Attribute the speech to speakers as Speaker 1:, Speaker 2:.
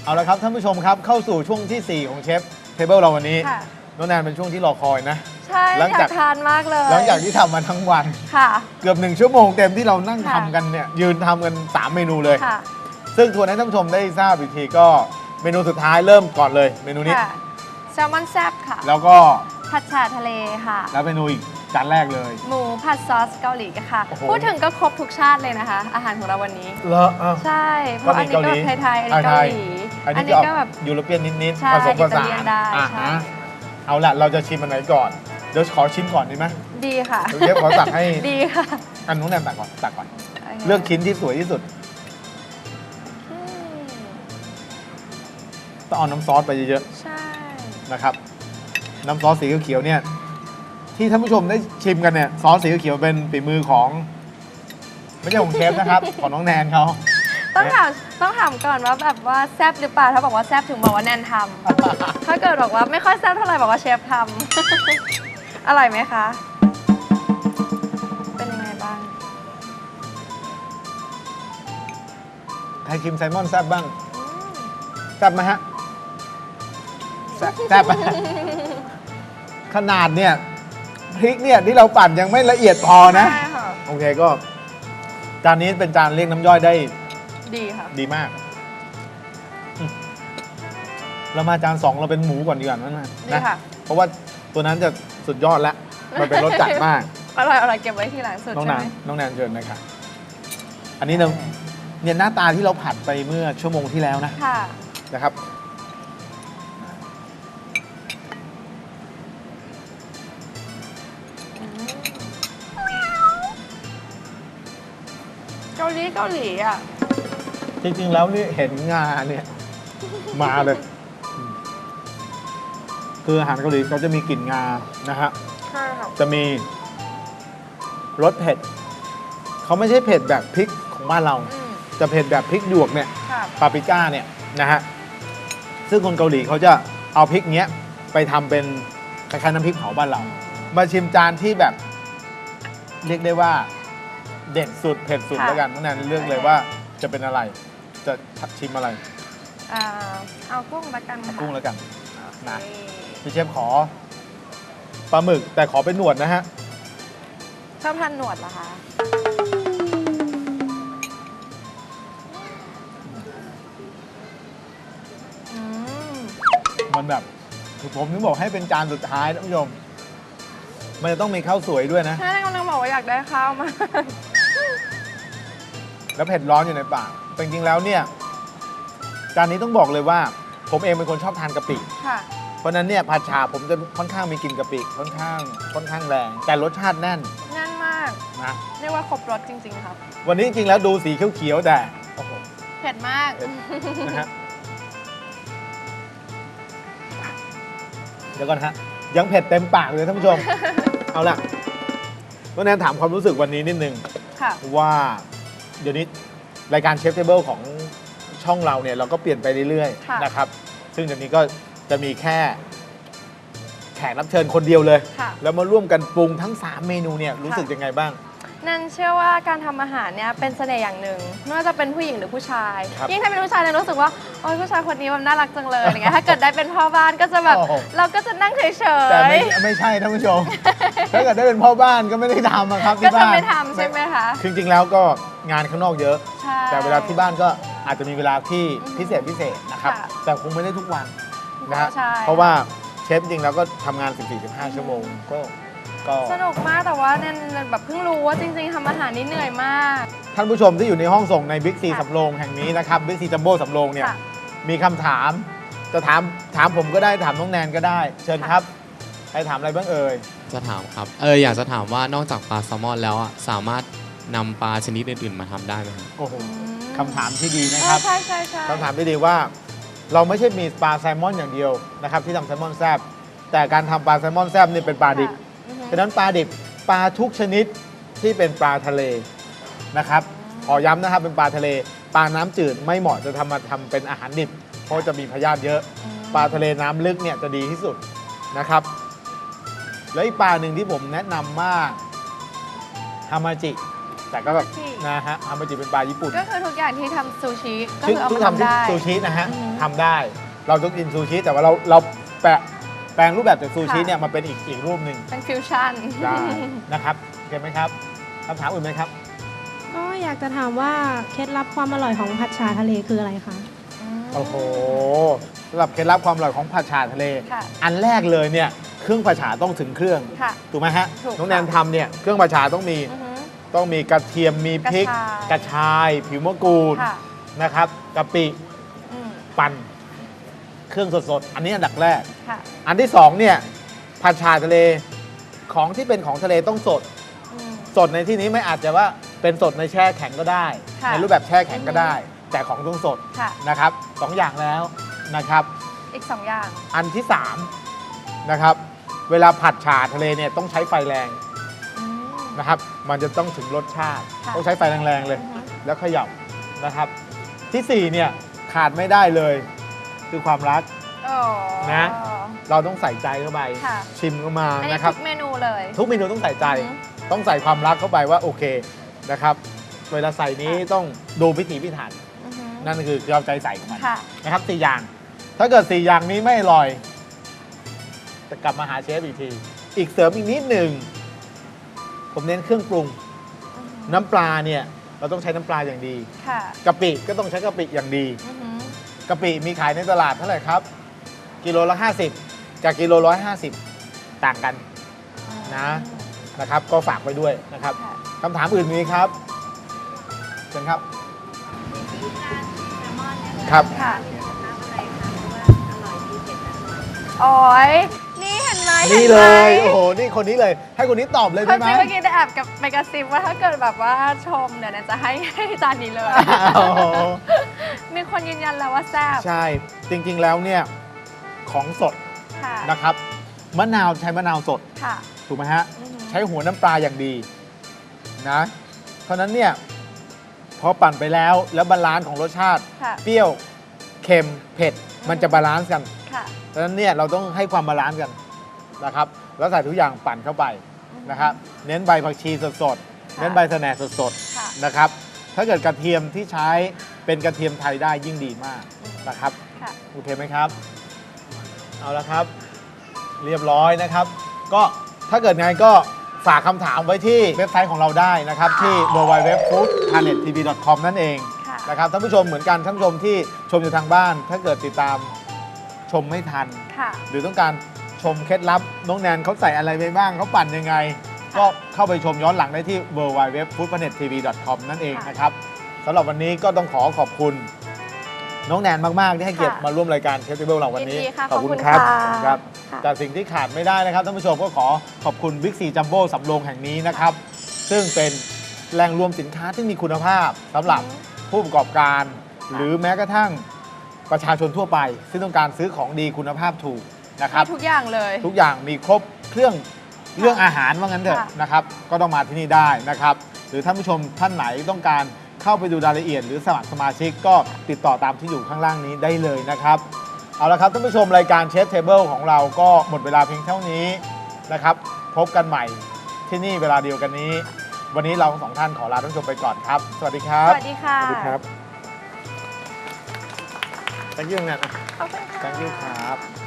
Speaker 1: เอาละครับท่านผู้ชมครับเข้าสู่ช่วงที่ 4 ของเชฟเทเบิลเราวันนี้น้องแนนเป็นช่วงที่รอคอยนะ
Speaker 2: ใช่อยากทานมากเลย
Speaker 1: หลังจากที่ทำมาทั้งวัน
Speaker 2: ค่ะ
Speaker 1: เกือบ1 ชั่วโมงเต็มที่เรานั่งทำกันเนี่ยยืนทำกัน3 เมนูเลยซึ่งทวนให้ท่านผู้ชมได้ทราบอีกทีก็เมนูสุดท้ายเริ่มก่อนเลยเมนูนี้
Speaker 2: แซลมอนแซ่บค่ะ
Speaker 1: แล้วก็
Speaker 2: ผัดฉ่าทะเลค่ะ
Speaker 1: แล้วเมนูอีกจานแรกเลย
Speaker 2: หมูผัดซอสเกาหลีค่ะพูดถึงก็ครบทุกชาติเลยนะคะอาหารของเราวันนี้
Speaker 1: เหรอ
Speaker 2: ใช่เพราะอันนี้ก็ไทยๆอันนี้เกาหลี
Speaker 1: อันนี้ก็แบบยูโรเปียนนิดๆผสมผสานเอาละเราจะชิมอันไหนก่อนเดี๋ยวขอชิมก่อนดีไหม
Speaker 2: ดีค่ะ
Speaker 1: เชฟขอตักให้
Speaker 2: ดีค่ะ
Speaker 1: อันนู้นแนนตักก่อนเลือกชิ้นที่สวยที่สุดต้องเอาน้ำซอสไปเยอะ
Speaker 2: ๆใช่
Speaker 1: นะครับน้ำซอสสีเขียวเนี่ยที่ท่านผู้ชมได้ชิมกันเนี่ยซอสสีเขียวเป็นฝีมือของไม่ใช่ของเชฟนะครับของน้องแนนเขา
Speaker 2: ต้องถามก่อนว่าแบบว่าแซ่บหรือเปล่าถ้าบอกว่าแซ่บถึงบอกว่าแนนทำถ้าเกิดบอกว่าไม่ค่อยแซ่บเท่าไหร่บอกว่าเชฟทำอร่อยไหมคะเป็นยังไงบ้าง
Speaker 1: ใครชิมไซมอนแซ่บบ้างแซ่บไหมฮะแซ่บขนาดเนี่ยพริกเนี่ยที่เราปั่นยังไม่ละเอียดพอนะโอเคก็จานนี้เป็นจานเรียกน้ำย่อยได้
Speaker 2: ดีค่ะ
Speaker 1: ดีมากเรามาจาน2เราเป็นหมูก่อนดีกว่านะเพราะว่าตัวนั้นจะสุดยอดแล้วมันเป็นรสจัดมาก
Speaker 2: อร่อยเก็บไว้ที่หลังสุดใช่ไหม
Speaker 1: น้องแนนเชิญนะครับอันนี้เนี่ยหน้าตาที่เราผัดไปเมื่อชั่วโมงที่แล้วนะครับ
Speaker 2: เกาหลีอ่ะ
Speaker 1: จริงๆแล้วนี่เห็นงาเนี่ยมาเลยคืออาหารเกาหลีเขาจะมีกลิ่นงานะฮะ
Speaker 2: ใช่ค่ะ
Speaker 1: จะมีรสเผ็ดเขาไม่ใช่เผ็ดแบบพริกของบ้านเราจะเผ็ดแบบพริกหยวกเนี่ยปาปริก้าเนี่ยนะฮะซึ่งคนเกาหลีเขาจะเอาพริกเนี้ยไปทำเป็นคล้ายๆน้ำพริกเผาบ้านเรามาชิมจานที่แบบเรียกได้ว่าเด็ดสุดเผ็ดสุดแล้วกันน้องแนนเลือกเลยว่าจะเป็นอะไรจะชิมอะไร
Speaker 2: เอากุ้งละกัน
Speaker 1: ค่ะกุ้งแล้วกันนะพี่เชฟขอปลาหมึกแต่ขอเป็นหนวดนะฮะ
Speaker 2: ชอบทานหนวดเหรอคะ
Speaker 1: มันแบบผมถึงบอกให้เป็นจานสุดท้ายท่านผู้ชมมันจะต้องมีข้าวสวยด้วยนะ
Speaker 2: ใช่กำลังบอกว่าอยากได้ข้าวมา
Speaker 1: แล้วเผ็ดร้อนอยู่ในปากแต่จริงๆแล้วเนี่ยจานนี้ต้องบอกเลยว่าผมเองเป็นคนชอบทานกะปิเพราะนั้นเนี่ยผัดฉ่าผมจะค่อนข้างมีกลิ่นกะปิค่อนข้างแรงแต่รสชาติแน่น
Speaker 2: มาก
Speaker 1: นะ
Speaker 2: เรียกว่าครบรสจริงๆครับ
Speaker 1: วันนี้จริงๆแล้วดูสีเขียวๆแต่โอ้โห
Speaker 2: เผ็ดมาก
Speaker 1: นะฮะเดี๋ยวก่อนฮะยังเผ็ดเต็มปากเลยท่านผู้ชมเอาล่ะน้องแนนถามความรู้สึกวันนี้นิดนึงว่าเดี๋ยวนี้รายการเชฟเทเบิลของช่องเราเนี่ยเราก็เปลี่ยนไปเรื่อยๆนะครับซึ่งเดี๋ยวนี้ก็จะมีแค่แขกรับเชิญคนเดียวเลยแล้วมาร่วมกันปรุงทั้ง3 เมนูเนี่ยรู้สึกยังไงบ้าง
Speaker 2: นั่นเชื่อว่าการทำอาหารเนี่ยเป็นเสน่ห์อย่างหนึ่งไม่ว่าจะเป็นผู้หญิงหรือผู้ชายยิ่งถ้าเป็นผู้ชายเนี่ยรู้สึกว่าโอ้ยผู้ชายคนนี้มันน่ารักจังเลยอย่างเงี้ยถ้าเกิดได้เป็นพ่อบ้านก็จะแบบเราก็จะนั่งเฉยๆ
Speaker 1: แต่ไม่ใช่ท่านผู้ชมถ้าเกิดได้เป็นพ่อบ้านก็ไม่ได้ทำครับที่บ้าน
Speaker 2: ก็จะไม่ทำใช่ไหมคะ
Speaker 1: จริงๆแล้วก็งานข้างนอกเยอะแต่เวลาที่บ้านก็อาจจะมีเวลาที่พิเศษนะครับแต่คงไม่ได้ทุกวันนะฮะเพราะว่าเชฟจริงๆแล้วก็ทำงาน 14-15 ชั่วโมงก็
Speaker 2: สนุกมากแต่ว่าเนี่ยแบบเพิ่งรู้ว่าจริงๆทำอาหารนี่เหนื่อยมาก
Speaker 1: ท่านผู้ชมที่อยู่ในห้องส่งในบิ๊กซีสำโรงแห่งนี้นะครับบิ๊กซีจัมโบ้สำโรงเนี่ยมีคำถามจะถามผมก็ได้ถามน้องแนนก็ได้เชิญครับใครถามอะไรบ้างเอ่ย
Speaker 3: จะถามครับอยากจะถามว่านอกจากปลาแซลมอนแล้วสามารถนำปลาชนิดอื่นๆมาทำได้ไหมครับ
Speaker 1: โอ้โหคำถามที่ดีนะครับ
Speaker 2: ใช่
Speaker 1: คำถามที่ดีว่าเราไม่ใช่มีปลาแซลมอนอย่างเดียวนะครับที่ทำแซลมอนแซ่บแต่การทำปลาแซลมอนแซ่บนี่เป็นปลาดิบฉะนั้นปลาดิบปลาทุกชนิดที่เป็นปลาทะเลนะครับขอย้ำนะครับเป็นปลาทะเลปลาน้ำจืดไม่เหมาะจะทำเป็นอาหารดิบเพราะจะมีพยาธิเยอะปลาทะเลน้ำลึกเนี่ยจะดีที่สุดนะครับแล้วอีกปลาหนึ่งที่ผมแนะนำมากฮามาจิแต่ก็แบบ
Speaker 2: ฮามาจิ
Speaker 1: นะฮะฮามาจิเป็นปลาญี่ปุ่น
Speaker 2: ก็คือทุกอย่างที่ทำซูชิก็
Speaker 1: ซึ่ง
Speaker 2: คือเอา
Speaker 1: ที่
Speaker 2: มา
Speaker 1: ทำ
Speaker 2: ทำ
Speaker 1: ที่
Speaker 2: ได้
Speaker 1: ซูชินะฮะ
Speaker 2: อือฮึ
Speaker 1: ทำได้ เราต้องกินซูชิแต่ว่าเราแปลงรูปแบบจากซูชิเนี่ยมาเป็นอีกรูปหนึ่ง
Speaker 2: เป็นฟิวชั่น
Speaker 1: ได้นะครับโอเคไหมครับคำถามอื่นไหมครับ
Speaker 4: ก็อยากจะถามว่าเคล็ดลับความอร่อยของผัดฉ่าทะเลคืออะไรคะ
Speaker 1: โอ้โหสำหรับเคล็ดลับความอร่อยของผัดฉ่าทะเล
Speaker 2: ค่ะ
Speaker 1: อันแรกเลยเนี่ยเครื่องผัดฉ่าต้องถึงเครื่อง
Speaker 2: ค่ะ
Speaker 1: ถูกไหมฮะ
Speaker 2: ถูก
Speaker 1: น้องแนนทำเนี่ยเครื่องผัดฉ่าต้องมี
Speaker 2: อือฮึ
Speaker 1: กระเทียมมีพริก กระชาย ผิวมะกรูด
Speaker 2: ค่ะ
Speaker 1: นะครับกะปิ
Speaker 2: อืม
Speaker 1: ปั่นเครื่องสดๆ อันนี้อันดับแรก
Speaker 2: ค่ะ
Speaker 1: อันที่สองเนี่ยผัดฉ่าทะเลของที่เป็นของทะเลต้องสด
Speaker 2: อืม
Speaker 1: สดในที่นี้ไม่อาจจะว่าเป็นสดในแช่แข็งก็ได้
Speaker 2: ค่ะ
Speaker 1: ในรูปแบบแช่แข็งก็ได้ แต่ของต้องสด
Speaker 2: ค่ะ
Speaker 1: นะครับสองอย่างแล้วนะครับ
Speaker 2: อีก 2 อย่าง
Speaker 1: อันที่3นะครับเวลาผัดฉ่าทะเลเนี่ยต้องใช้ไฟแรง
Speaker 2: อืม
Speaker 1: นะครับ มันจะต้องถึงรสชาติ
Speaker 2: ค่ะ
Speaker 1: ต้องใช้ไฟแรงๆเลย
Speaker 2: อือฮึ
Speaker 1: แล้วเขย่านะครับ ที่4เนี่ยขาดไม่ได้เลยคือความรัก
Speaker 2: อ๋อ
Speaker 1: นะ เราต้องใส่ใจเข้าไป
Speaker 2: ค่ะ
Speaker 1: ชิมเข้ามา
Speaker 2: อันนี้
Speaker 1: นะครับ
Speaker 2: ทุกเมนูเลย
Speaker 1: ทุกเมนูต้องใส่ใจ
Speaker 2: อือฮึ
Speaker 1: ต้องใส่ความรักเข้าไปว่าโอเคนะครับเวลาใส่นี้ต้องดูพิถีพิถัน
Speaker 2: อือฮึ
Speaker 1: นั่นคือเอาใจใส่ของมัน
Speaker 2: ค่ะ
Speaker 1: นะครับ4อย่าง ถ้าเกิด4อย่างนี้ไม่อร่อยจะกลับมาหาเชฟอีกที อีกเสริมอีกนิดหนึ่งผมเน้นเครื่องปรุง
Speaker 2: อือฮึ
Speaker 1: น้ำปลาเนี่ยเราต้องใช้น้ำปลาอย่างดี
Speaker 2: ค่ะ
Speaker 1: กะปิก็ต้องใช้กะปิอย่างดี
Speaker 2: อือฮึ
Speaker 1: กะปิมีขายในตลาดเท่าไหร่ครับกิโลละ50กับกิโล150ต่างกันนะครับ ก็ฝากไว้ด้วยนะครับ
Speaker 2: ค่ะ
Speaker 1: คำถามอื่นมีครับเชิญครับครับ
Speaker 2: ค่ะโอ้ยนี่เห็นไหม
Speaker 1: นี่เลย
Speaker 2: ห็นไหม
Speaker 1: โอ้โหนี่คนนี้เลย ให้คนนี้ตอบเลย
Speaker 2: เขา
Speaker 1: ได้ไหม
Speaker 2: จริงเมื่อกี้ได้แอบกับไปกระซิบว่าถ้าเกิดแบบว่าชมเดี๋ยวนะจะให้จานนี้เลย
Speaker 1: โอ้โห
Speaker 2: มีคนยืนยันแล้วว่าแซ่บ
Speaker 1: ใช่จริงๆแล้วเนี่ยของสด
Speaker 2: ค่ะ
Speaker 1: นะครับมะนาวใช้มะนาวสด
Speaker 2: ค่ะ
Speaker 1: ถูกไหมฮะ
Speaker 2: อือหือ
Speaker 1: ใช้หัวน้ำปลาอย่างดีนะเพราะฉะนั้นเนี่ยพอปั่นไปแล้วบาลานซ์ของรสชาติ
Speaker 2: ค่ะ
Speaker 1: เปรี้ยวเค็มเผ็ดมันจะบาลานซ์กัน
Speaker 2: ค่ะ
Speaker 1: เพราะฉะนั้นเนี่ยเราต้องให้ความบาลานซ์กันนะครับแล้วใส่ทุกอย่างปั่นเข้าไปนะครับเน้นใบผักชีสดๆ
Speaker 2: ค่ะ
Speaker 1: เน้นใบสะแหน่สด
Speaker 2: ค่ะ
Speaker 1: ๆนะครับถ้าเกิดกระเทียมที่ใช้เป็นกระเทียมไทยได้ยิ่งดีมากนะครับ
Speaker 2: ค่ะ
Speaker 1: โอเคไหมครับเอาละครับเรียบร้อยนะครับ ก็ถ้าเกิดไงก็ฝากคำถามไว้ที่เว็บไซต์ของเราได้นะครับที่ www.foodplanettv.com นั่นเอง
Speaker 2: ค่ะ
Speaker 1: นะครับท่านผู้ชมเหมือนกันท่านผู้ชมที่ชมอยู่ทางบ้าน ถ้าเกิดติดตามชมไม่ทัน
Speaker 2: ค่ะ
Speaker 1: หรือต้องการชมเคล็ดลับน้องแนนเขาใส่อะไรไปบ้างเขาปั่นยังไง ก็เข้าไปชมย้อนหลังได้ที่ www.foodplanettv.com นั่นเองนะครับสำหรับวันนี้ก็ต้องขอบคุณน้องแนนมาก ๆ ที่ให้เกียรติ
Speaker 2: ค่ะ
Speaker 1: มาร่วมรายการเชฟเทเบิลเราวันนี้
Speaker 2: ยินดีค่ะ
Speaker 1: ขอบคุณ
Speaker 2: ขอบคุณ
Speaker 1: ครับ
Speaker 2: ค่ะ
Speaker 1: ขอบคุณครับ
Speaker 2: ค่ะ
Speaker 1: แต่สิ่งที่ขาดไม่ได้นะครับท่านผู้ชมก็ขอบคุณบิ๊กซีจัมโบ้สำโรงแห่งนี้นะครับ ซึ่งเป็นแหล่งรวมสินค้าที่มีคุณภาพสำหรับผู้ประกอบการ หรือแม้กระทั่งประชาชนทั่วไป ซึ่งต้องการซื้อของดีคุณภาพถูกนะครับ
Speaker 2: มีทุกอย่างเลย
Speaker 1: ทุกอย่างมีครบเครื่องอาหารว่างั้นเถอะ
Speaker 2: ค่ะ
Speaker 1: นะครับ ก็ต้องมาที่นี่ได้นะครับ หรือท่านผู้ชมท่านไหนต้องการเข้าไปดูรายละเอียด หรือสมัครสมาชิกก็ติดต่อตามที่อยู่ข้างล่างนี้ได้เลยนะครับ เอาละครับท่านผู้ชมรายการเชฟเทเบิลของเราก็หมดเวลาเพียงเท่านี้นะครับ พบกันใหม่ที่นี่เวลาเดียวกันนี้ วันนี้เราทั้งสองท่านขอลาท่านผู้ชมไปก่อนครับ สวัสดีครับ
Speaker 2: สวัสดีค่ะ
Speaker 1: สวัสดีครับ thank you นะ
Speaker 2: ขอบคุณค่ะ
Speaker 1: thank you ครับ